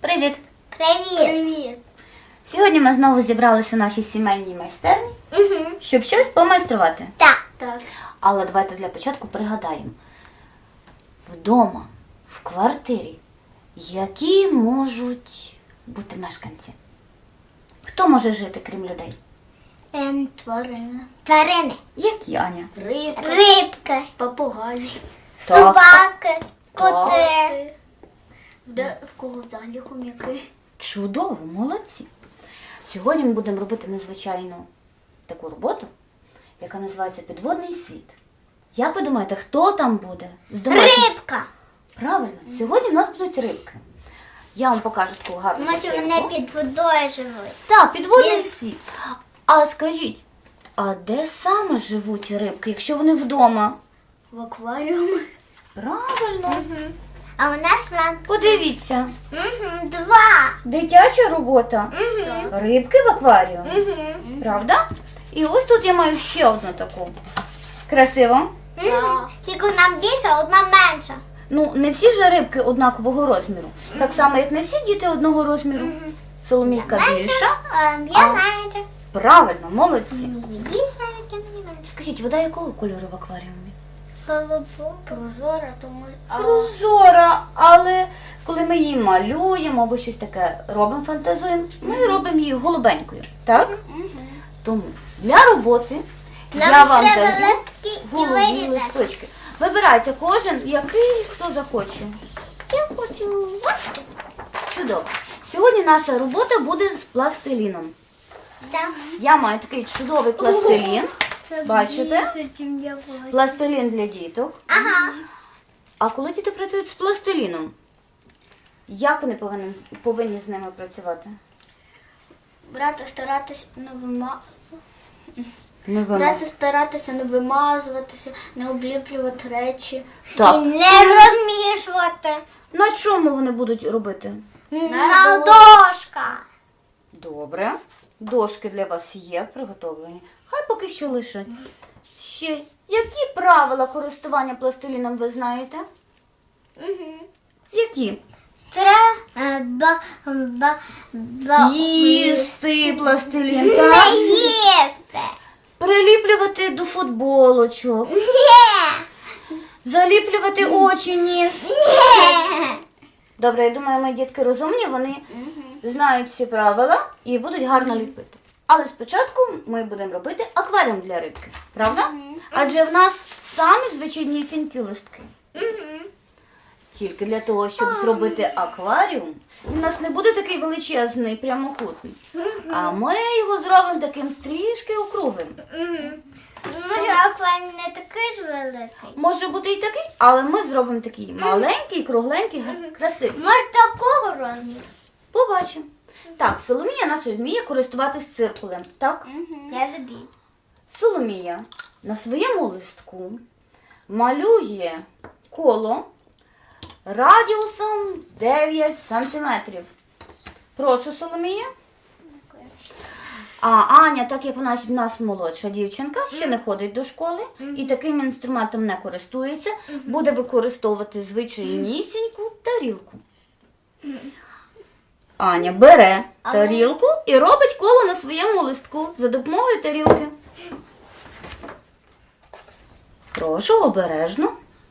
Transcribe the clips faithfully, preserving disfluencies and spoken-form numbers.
Привіт! Привіт! Привіт! Сьогодні ми знову зібралися у нашій сімейній майстерні, Угу. щоб щось помайструвати. Так. Так. Але давайте для початку пригадаємо. Вдома, в квартирі, які можуть бути мешканці? Хто може жити, крім людей? Ем, Тварина. тварини. Які, Аня? Рибка. Рибки. Попугай. Так. Собаки. Коти. Де в кого взагалі хом'яки? Чудово, молодці. Сьогодні ми будемо робити незвичайну таку роботу, яка називається «Підводний світ». Як ви думаєте, хто там буде? З домашніх? Рибка. Правильно, сьогодні в нас будуть рибки. Я вам покажу таку гарну Може картинку. вони під водою живуть. Так, підводний Є. світ. А скажіть, а де саме живуть рибки, якщо вони вдома? В акваріумі. Правильно. А у нас там Подивіться, угу, два. дитяча робота. Угу. Рибки в акваріумі. Угу. Правда? І ось тут я маю ще одну таку. Красиво. Угу. Тільки одна більша, одна менша. Ну, не всі ж рибки однакового розміру. Так само, як не всі діти одного розміру. Соломійка більша. Ем, Я А. менша. Правильно, молодці. Мені більша, я мені менша. Скажіть, вода якого кольору в акваріумі? Голубу. Прозора, тому. А, Прозора, але коли ми її малюємо або щось таке робимо, фантазуємо, ми робимо її голубенькою. Так? Тому для роботи я Нам вам треба даю листки і головні вирізати. листочки. Вибирайте кожен, який хто захоче. Я хочу. Чудово. Сьогодні наша робота буде з пластиліном. Так. Я маю такий чудовий пластилін. Бачите? більше, чим я бачу. Пластилін для діток. Ага. А коли діти працюють з пластиліном, як вони повинні, повинні з ними працювати? Брати старатися не вима... Не вимог. Брати старатися не вимазуватися, не обліплювати речі. Так. І не розмішувати. На чому вони будуть робити? На дошках. Добре. Дошки для вас є приготовлені. Хай поки що лишать. Ще, які правила користування пластиліном ви знаєте? Угу. Які? Треба ба, ба, Їсти пластилін, не так? їсти. Приліплювати до футболочок, Ні. заліплювати очі, ніс. Ні. Добре, я думаю, мої дітки розумні, вони знають всі правила і будуть гарно ліпити. Але спочатку ми будемо робити акваріум для рибки, правда? Адже в нас самі звичайнісінькі листки. Тільки для того, щоб зробити акваріум, він у нас не буде такий величезний, прямокутний. А ми його зробимо таким трішки округлим. Може, акваріум не такий ж великий. Може бути і такий, але ми зробимо такий маленький, кругленький, гар- красивий. Може, такого розміру. Побачимо. Так, Соломія наша вміє користуватись циркулем, так? Я люблю. Соломія на своєму листку малює коло радіусом дев'ять сантиметрів. Прошу, Соломія. А Аня, так як вона ж в нас молодша дівчинка, ще не ходить до школи і таким інструментом не користується, буде використовувати звичайнісіньку тарілку. Аня бере тарілку і робить коло на своєму листку за допомогою тарілки. Прошу, обережно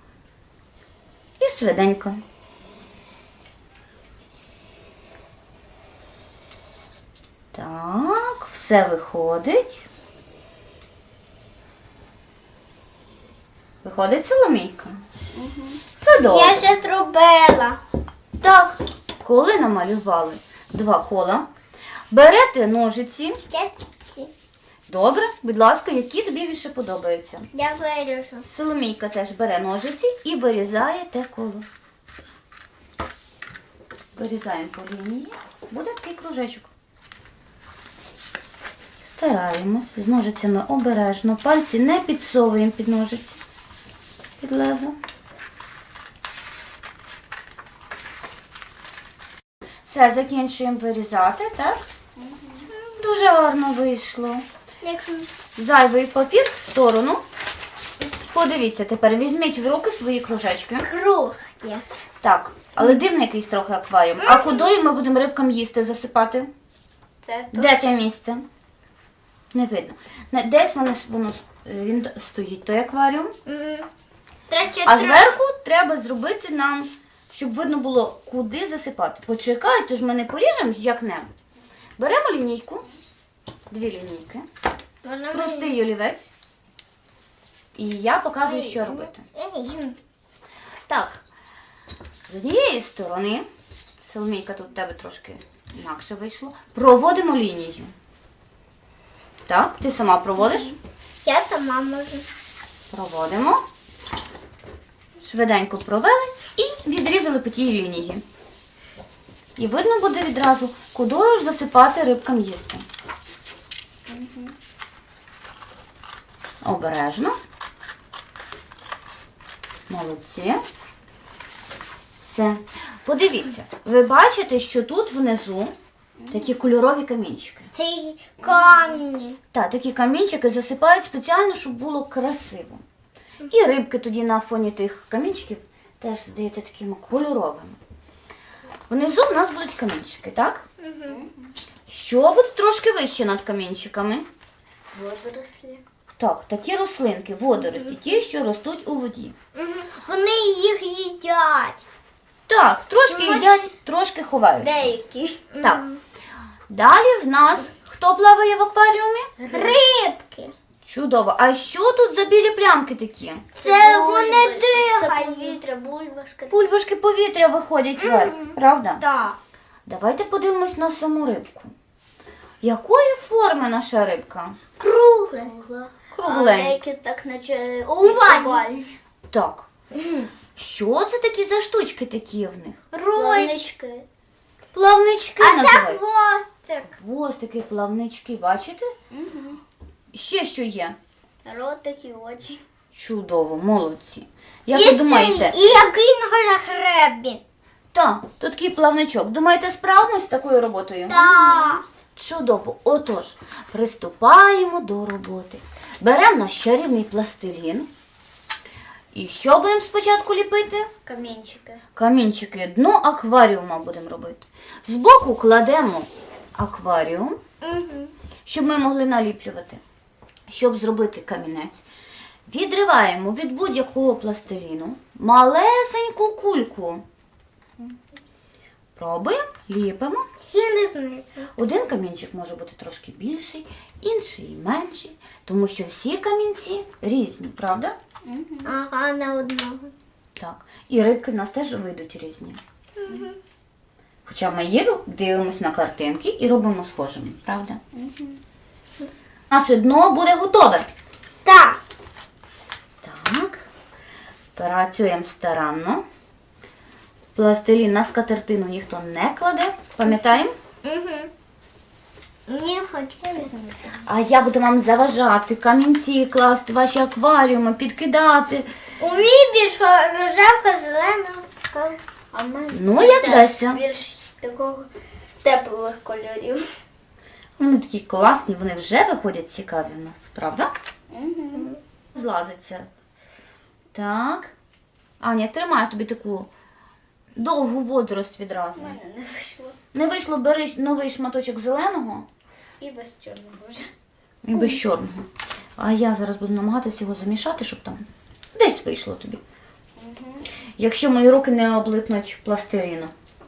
і швиденько. Так, все виходить. Виходить, Соломійка? Все добре. Я ще зробила. Так, коли намалювали два кола, берете ножиці. Я ці. Добре, будь ласка, які тобі більше подобаються. Я виріжу. Соломійка теж бере ножиці і вирізає те коло. Вирізаємо по лінії. Буде такий кружечок. Стараємось з ножицями обережно. Пальці не підсовуємо під ножиці. Під лезо. Все, закінчуємо вирізати, так? Дуже гарно вийшло. Якщо Зайвий папір в сторону. Подивіться, тепер візьміть в руки свої кружечки. Круг є. Так, але дивний якийсь трохи акваріум. А кудою ми будемо рибкам їсти засипати? Це тут. Де це місце? Не видно. На- Десь воно, воно він стоїть, той акваріум. Мгм. Треба ще А трошки. зверху треба зробити нам, щоб видно було, куди засипати. Почекай, то ж ми не поріжемо як-небудь. Беремо лінійку, дві лінійки, Вона простий олівець. І я показую, що робити. мені- Так, з однієї сторони, Соломійка, тут в тебе трошки інакше вийшло, проводимо лінію. Так, ти сама проводиш? Я сама можу. Проводимо. Швиденько провели і відрізали по тій лінії. І видно буде відразу, кудою ж засипати рибкам їсти. Обережно. Молодці. Все. Подивіться, ви бачите, що тут внизу такі кольорові камінчики. Це й камні. Так, такі камінчики засипають спеціально, щоб було красиво. І рибки тоді на фоні тих камінчиків теж здається такими кольоровими. Внизу в нас будуть камінчики, так? Що буде трошки вище над камінчиками? Водорослі. Так, такі рослинки, водорості, ті, що ростуть у воді. Вони їх їдять. Так, трошки Може- їдять, трошки ховають. Деякі. Так. Далі в нас хто плаває в акваріумі? Рибки. Чудово. А що тут за білі плямки такі? Це вони Це дихають. повітря, бульбашка. Пульбашки повітря виходять вверх, правда? Так. Давайте подивимось на саму рибку. Якої форми наша рибка? Кругле. А Кругленька. деякі так наче Овальні. овальні. Так. Що це такі за штучки такі в них? Ручки. Плавнички. Плавнички А це називають. хвостик. Хвостики, плавнички, бачите? Ще що є? Ротик і очі. Чудово, молодці. Як І ви цей- думаєте? І який на хребі. Так, тут такий плавничок. Думаєте, справимось з такою роботою? Так. Чудово. Отож, приступаємо до роботи. Беремо наш чарівний пластилін. І що будемо спочатку ліпити? Камінчики. Камінчики, дно акваріума будемо робити. Збоку кладемо акваріум, Угу. щоб ми могли наліплювати. Щоб зробити камінець, відриваємо від будь-якого пластиліну малесеньку кульку. Пробуємо, ліпимо. Я не знаю. Один камінчик може бути трошки більший, інший менший, тому що всі камінці різні, правда? Ага, на одного. Так. І рибки в нас теж вийдуть різні. Хоча ми їду, дивимось на картинки і робимо схожими, правда? Наше дно буде готове. Так. Так. Працюємо старанно. Пластилін на скатертину ніхто не кладе. Пам'ятаємо? Угу. Мені хочеться. А я буду вам заважати, камінці класти, ваші акваріуми, підкидати. У мій більш рожевка, зелена. така. А в мене Ну, як теж дасться. більш такого теплих кольорів. Вони такі класні, вони вже виходять цікаві в нас, правда? Злазиться. Так. Аня, тримай тобі таку довгу водорость відразу. У мене не вийшло. Не вийшло, бери новий шматочок зеленого І без чорного вже. і без чорного. А я зараз буду намагатися його замішати, щоб там десь вийшло тобі. Якщо мої руки не облипнуть пластиліну.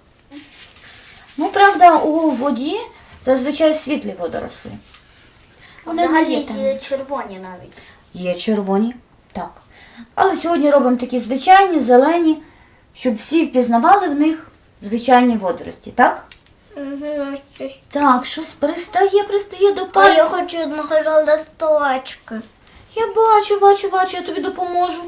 Ну, правда, у воді зазвичай світлі водоросли. Вони не Взагалі є там. є червоні навіть. Є червоні, так. Але сьогодні робимо такі звичайні, зелені, щоб всі впізнавали в них звичайні водорості, так? Угу. Так, щось пристає, пристає до А я пальця. хочу одного листочка. Я бачу, бачу, бачу, я тобі допоможу.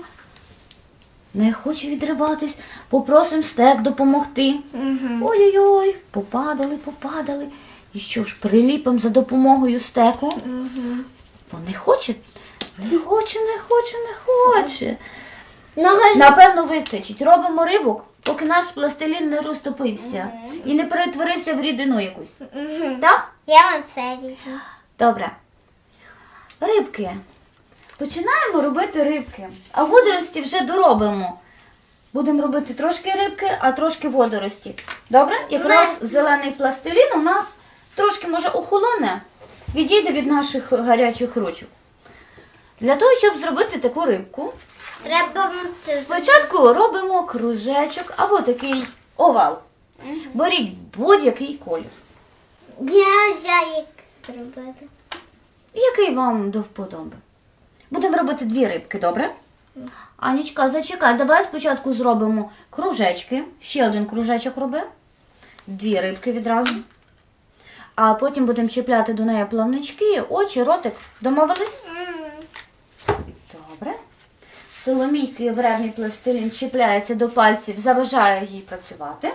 Не хоче відриватись, попросим стек допомогти. Угу. Ой-ой-ой, попадали, попадали. І що ж, приліпимо за допомогою стеку? Угу. Бо не хоче, не хоче, не хоче, не хоче. Нога Напевно, вистачить. Робимо рибок, поки наш пластилін не розтопився і не перетворився в рідину якусь. Угу. Так? Я вам це візьму. Добре. Рибки. Починаємо робити рибки, а водорості вже доробимо. Будемо робити трошки рибки, а трошки водорості. Добре? Якраз зелений пластилін у нас трошки, може, охолоне, відійде від наших гарячих ручок. Для того, щоб зробити таку рибку, Треба це спочатку робимо кружечок або такий овал. Беріть будь-який колір. Я взяю зробити. Який вам до вподоби. Будемо робити дві рибки, добре? Анічка, зачекай, давай спочатку зробимо кружечки. Ще один кружечок роби. Дві рибки відразу. А потім будемо чіпляти до неї плавнички, очі, ротик. Домовились? Добре. Соломійки вредний пластилін чіпляється до пальців, заважає їй працювати.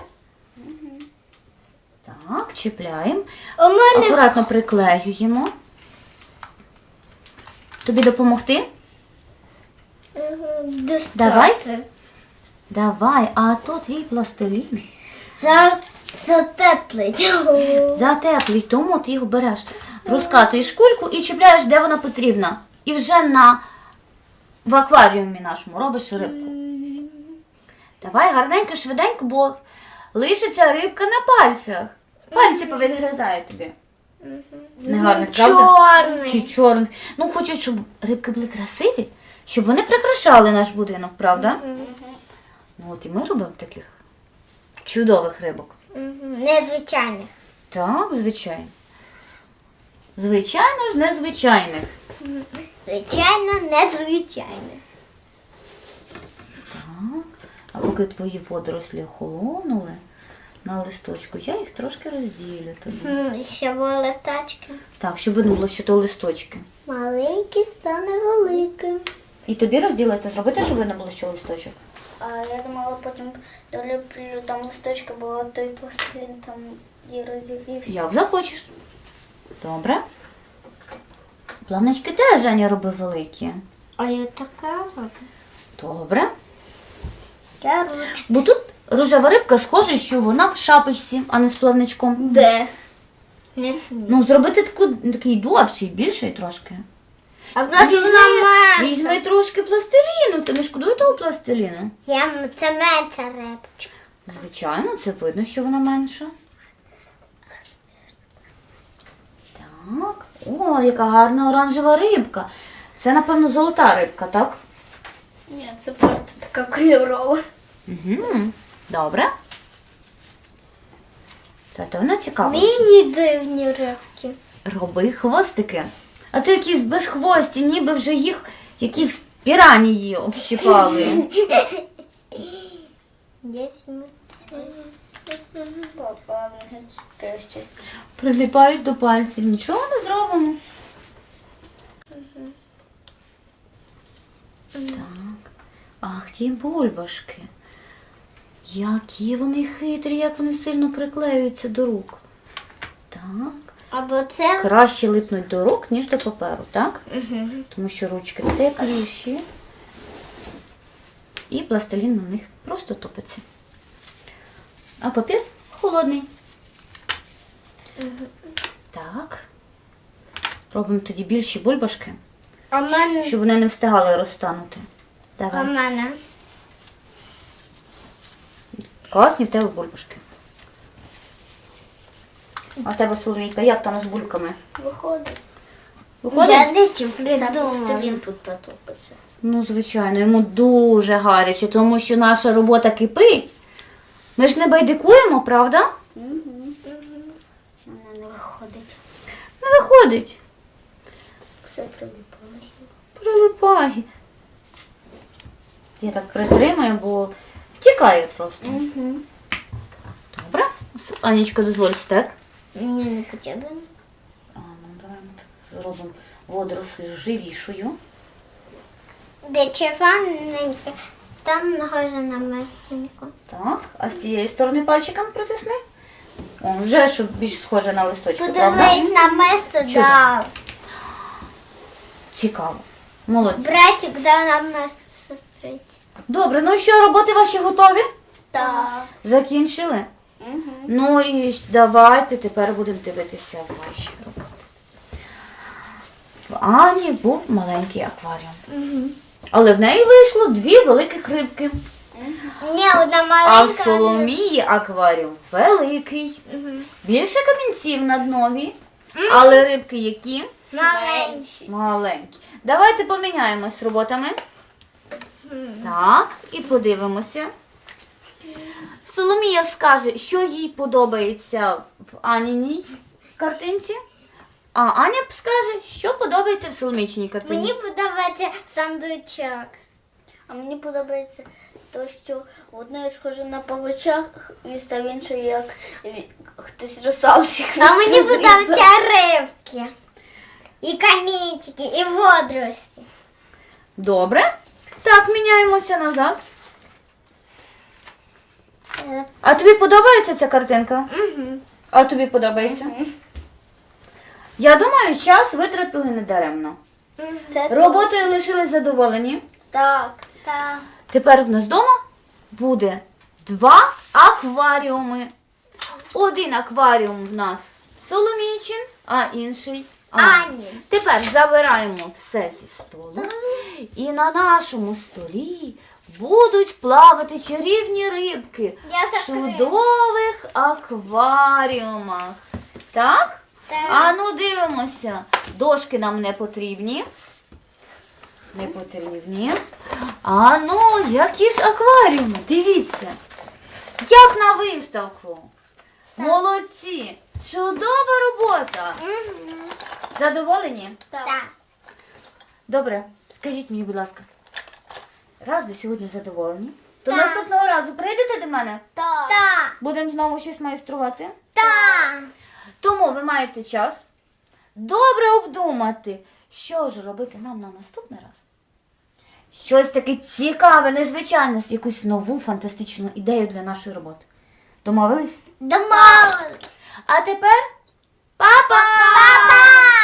Так, чіпляємо. У мене Акуратно приклеюємо. Тобі допомогти? достати. Давай. Давай, а то твій пластилін. Зараз затеплить. Затеплий, тому ти його береш. Розкатуєш кульку і чіпляєш, де вона потрібна. І вже на в акваріумі нашому робиш рибку. Давай гарненько, швиденько, бо лишиться рибка на пальцях. Пальці повідгризають тобі. Негарних, правда? Чорний. Чи чорний. Ну, хочу, щоб рибки були красиві, щоб вони прикрашали наш будинок, правда? Ну, от і ми робимо таких чудових рибок. Незвичайних. Так, звичайно. Звичайно ж, незвичайних. Звичайно, незвичайних. Так. А поки твої водорослі охолонули на листочку, я їх трошки розділю тобі. М, Ще були листочки. Так, щоб видно було, що то листочки. Маленький стане великим. І тобі розділити, зробити, щоб видно було, що листочок. А я думала, потім долюблю там листочки, бо той пластилін там і розігрівся. Як захочеш. Добре. Плавнички теж Женя робив великі. А я така роблю. Добре. Я ручку. Бо тут рожева рибка схоже, що вона в шапочці, а не з плавничком. Де? Не смію. Ну, зробити таку, такий довший, більший трошки. А просто Візьми, вона візьми менша. трошки пластиліну, ти не шкодуй того пластиліну. Я, це менша рибочка. Звичайно, це видно, що вона менша. Так. О, яка гарна оранжева рибка. Це, напевно, золота рибка, так? Ні, це просто така кольорова. Угу. Добре. Та то вона цікава. Міні дивні рибки. Роби хвостики. А то якісь безхвості, ніби вже їх якісь піранії общипали. Я візьму. Папа, щось. Приліпають до пальців. Нічого не зробимо. Так. Ах, ті бульбашки. Які вони хитрі, як вони сильно приклеюються до рук. Так. Або це. Краще липнуть до рук, ніж до паперу, так? Тому що ручки тепліші. І пластилін на них просто топиться. А папір холодний. Так. Робимо тоді більші бульбашки, А в мене. щоб вони не встигали розтанути. А в Давай. мене. Класні в тебе бульбашки. А в тебе, Соломійка, як там з бульками? Виходить. Виходить? Я десь Це придумала. пластилін тут топиться. Ну, звичайно, йому дуже гаряче, тому що наша робота кипить. Ми ж не байдикуємо, правда? Вона не виходить. Не виходить. Все приліпало. Прилипає. Я так притримую, бо втікає просто. Добре? Анічка, дозволь стек. Мені не потрібно. А, ну, давай ми так зробимо водоросль живішою. Де червоненьке, там нагоже на мертвеньку. Так, а з тієї сторони пальчиком притисни. О, вже щоб більш схоже на листочки, правда? Подивись на місце, Чудо. да. Цікаво. Молодці. Братик дав нам місце сестриці. Добре, ну що, роботи ваші готові? Так. Закінчили? Ну і давайте тепер будемо дивитися ваші роботи. Ані був маленький акваріум. Але в неї вийшло дві великих рибки. Ні, одна А маленька. в Соломії акваріум великий. Більше камінців на днові. Але рибки які? Маленькі. Маленькі. Давайте поміняємось роботами. Так, і подивимося. Соломія скаже, що їй подобається в Аніній картинці. А Аня скаже, що подобається в Соломійчиній картині. Мені подобається сандучок. А мені подобається те, що в одної схоже на павича хвіст, а в іншої як ві- хтось русалці хвіст. А мені розрізав. подобаються рибки. І камінчики, і водорості. Добре. Так, міняємося назад. А тобі подобається ця картинка? Угу. А тобі подобається? Я думаю, час витратили недаремно. Це Роботою лишились задоволені. так. Так. Тепер в нас вдома буде два акваріуми. Один акваріум в нас Соломійчин, а інший Ані. Ані. Тепер забираємо все зі столу. І на нашому столі будуть плавати чарівні рибки Я в закрию. чудових акваріумах. Так? Так. А ну дивимося. Дошки нам не потрібні. Не потрібні. А ну, які ж акваріуми? Дивіться. Як на виставку. Молодці. Чудова робота. Угу. Задоволені? Так. Добре, скажіть мені, будь ласка, раз ви сьогодні задоволені, то Так. наступного разу прийдете до мене? Так. Так. Будемо знову щось майструвати? Так. Тому ви маєте час добре обдумати, що ж робити нам на наступний раз. Щось таке цікаве, незвичайне, якусь нову фантастичну ідею для нашої роботи. Домовились? Домовились. А тепер па-па! Па-па!